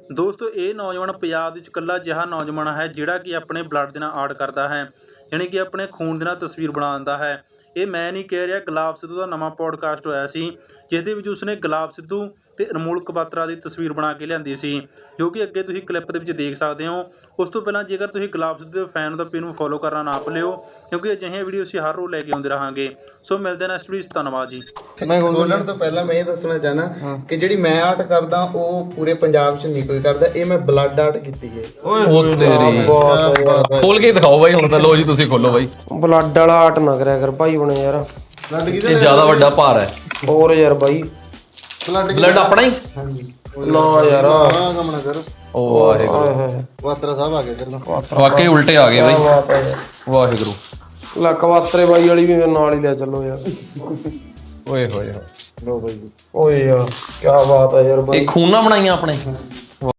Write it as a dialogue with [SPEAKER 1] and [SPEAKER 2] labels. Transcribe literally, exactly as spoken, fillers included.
[SPEAKER 1] ਦੋਸਤੋ ਇਹ ਨੌਜਵਾਨ ਪੰਜਾਬ ਵਿੱਚ ਇਕੱਲਾ ਅਜਿਹਾ ਨੌਜਵਾਨ ਹੈ ਜਿਹੜਾ ਕਿ ਆਪਣੇ ਬਲੱਡ ਦੇ ਨਾਲ ਆਰਟ ਕਰਦਾ ਹੈ, ਯਾਨੀ ਕਿ ਆਪਣੇ ਖੂਨ ਦੇ ਨਾਲ ਤਸਵੀਰ ਬਣਾ ਦਿੰਦਾ ਹੈ। ਇਹ ਮੈਂ ਨਹੀਂ ਕਹਿ ਰਿਹਾ, ਗੁਲਾਬ ਸਿੱਧੂ ਦਾ ਨਵਾਂ ਪੋਡਕਾਸਟ ਹੋਇਆ ਸੀ ਜਿਸ ਦੇ ਵਿੱਚ ਉਸਨੇ ਗੁਲਾਬ ਸਿੱਧੂ ਅਤੇ ਅਨਮੋਲ ਕਬਾਤਰਾ ਦੀ ਤਸਵੀਰ ਬਣਾ ਕੇ ਲਿਆਂਦੀ ਸੀ, ਜੋ ਕਿ ਅੱਗੇ ਤੁਸੀਂ ਕਲਿੱਪ ਦੇ ਵਿੱਚ ਦੇਖ ਸਕਦੇ ਹੋ। ਉਸ ਤੋਂ ਪਹਿਲਾਂ ਜੇਕਰ ਤੁਸੀਂ ਗੁਲਾਬ ਸਿੱਧੂ ਦੇ ਫੈਨ ਹੋ ਤਾਂ ਪੇਜ ਨੂੰ ਫੋਲੋ ਕਰਨਾ ਨਾ ਭੁੱਲਿਓ, ਕਿਉਂਕਿ ਅਜਿਹੀਆਂ ਵੀਡੀਓ ਅਸੀਂ ਹਰ ਰੋਜ਼ ਲੈ ਕੇ ਆਉਂਦੇ ਰਹਾਂਗੇ। ਸੋ ਮਿਲਦੇ ਹਾਂ ਨੈਕਸਟ ਵੀਡੀਓ 'ਚ। ਧੰਨਵਾਦ ਜੀ।
[SPEAKER 2] ਮੈਂ ਬੋਲਣ ਤੋਂ ਪਹਿਲਾਂ ਮੈਂ ਇਹ ਦੱਸਣਾ ਚਾਹਨਾ ਕਿ ਜਿਹੜੀ ਮੈਂ ਆਰਟ ਕਰਦਾ ਉਹ ਪੂਰੇ ਪੰਜਾਬ 'ਚ ਨਹੀਂ ਕੋਈ ਕਰਦਾ, ਇਹ ਮੈਂ ਬਲੱਡ ਆਰਟ ਕੀਤੀ ਹੈ।
[SPEAKER 3] ਉਹ ਤੇਰੀ ਖੋਲ ਕੇ ਦਿਖਾਓ ਬਾਈ ਹੁਣ ਤਾਂ। ਲੋ ਜੀ ਤੁਸੀਂ ਖੋਲੋ ਬਾਈ।
[SPEAKER 4] ਬਲੱਡ ਵਾਲਾ ਆਰਟ ਨਾ ਕਰਿਆ ਕਰ ਭਾਈ ਬਣੇ ਯਾਰ,
[SPEAKER 3] ਇਹ ਜ਼ਿਆਦਾ ਵੱਡਾ ਭਾਰ ਹੈ।
[SPEAKER 4] ਹੋਰ ਯਾਰ ਬਾਈ
[SPEAKER 3] ਬਲੱਡ ਆਪਣਾ ਹੀ
[SPEAKER 4] ਨਾ ਯਾਰ
[SPEAKER 2] ਕੰਮ ਨਾ ਕਰ।
[SPEAKER 3] ਉਹ ਵਾਹਿਗੁਰੂ,
[SPEAKER 2] ਵਾਤਰਾ ਸਾਹਿਬ ਆ ਗਏ ਤੇਰੇ ਨਾਲ।
[SPEAKER 3] ਵਾਕਈ ਉਲਟੇ ਆ ਗਏ ਬਾਈ।
[SPEAKER 4] ਬਾਤ ਹੈ ਯਾਰ।
[SPEAKER 3] ਵਾਹਿਗੁਰੂ
[SPEAKER 4] ਲੱਕ ਵਾਤਰੇ ਬਾਈ ਵਾਲੀ ਵੀ ਮੇਰੇ ਨਾਲ ਹੀ ਲੈ ਚੱਲੋ ਯਾਰ।
[SPEAKER 3] ਓਏ ਹੋਏ
[SPEAKER 4] ਲੋ ਬਾਈ ਓਏ ਯਾਰ ਕੀ ਬਾਤ ਹੈ ਯਾਰ ਬਾਈ।
[SPEAKER 3] ਇਹ ਖੂਨਾ ਬਣਾਈਆਂ ਆਪਣੇ।